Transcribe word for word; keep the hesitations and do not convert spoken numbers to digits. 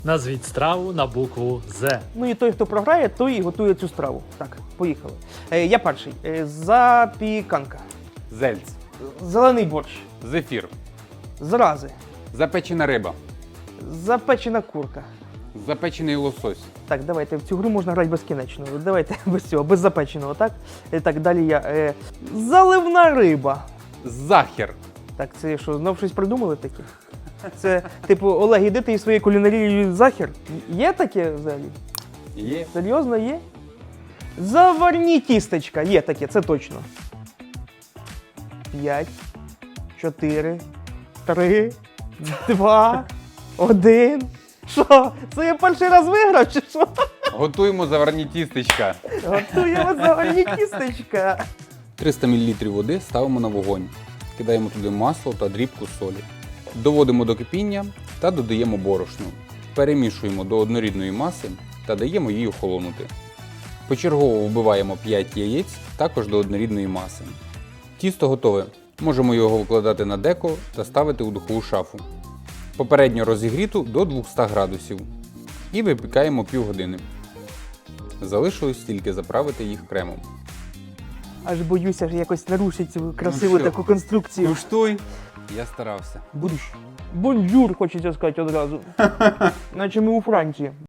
Назвіть страву на букву З. Ну і той, хто програє, той і готує цю страву. Так, поїхали. Е, я перший. Е, запіканка. Зельц. Зелений борщ. Зефір. Зрази. Запечена риба. Запечена курка. Запечений лосось. Так, давайте, в цю гру можна грати безкінечно. Давайте без цього, без запеченого, так? Е, так, далі я. Е, заливна риба. Захер. Так, це що, знов щось придумали таке? Це, типу, Олег, іди ти із своєю кулінарією захер? Є таке взагалі? Є. Серйозно є? Заварні тістечка. Є таке, це точно. П'ять, чотири, три, два, один. Що? Це я перший раз виграв, чи що? Готуємо заварні тістечка. Готуємо заварні тістечка. триста мілілітрів води ставимо на вогонь. Кидаємо туди масло та дрібку солі. Доводимо до кипіння та додаємо борошно. Перемішуємо до однорідної маси та даємо їй охолонути. Почергово вбиваємо п'ять яєць також до однорідної маси. Тісто готове. Можемо його викладати на деко та ставити у духову шафу. Попередньо розігріту до двохсот градусів. І випікаємо півгодини. Залишилось тільки заправити їх кремом. Аж боюся ж якось нарушити цю красиву Ну що? таку конструкцію. Куштуй! Я старався. Будеш? Бонжур, хочеться сказати одразу. Наче ми у Франції.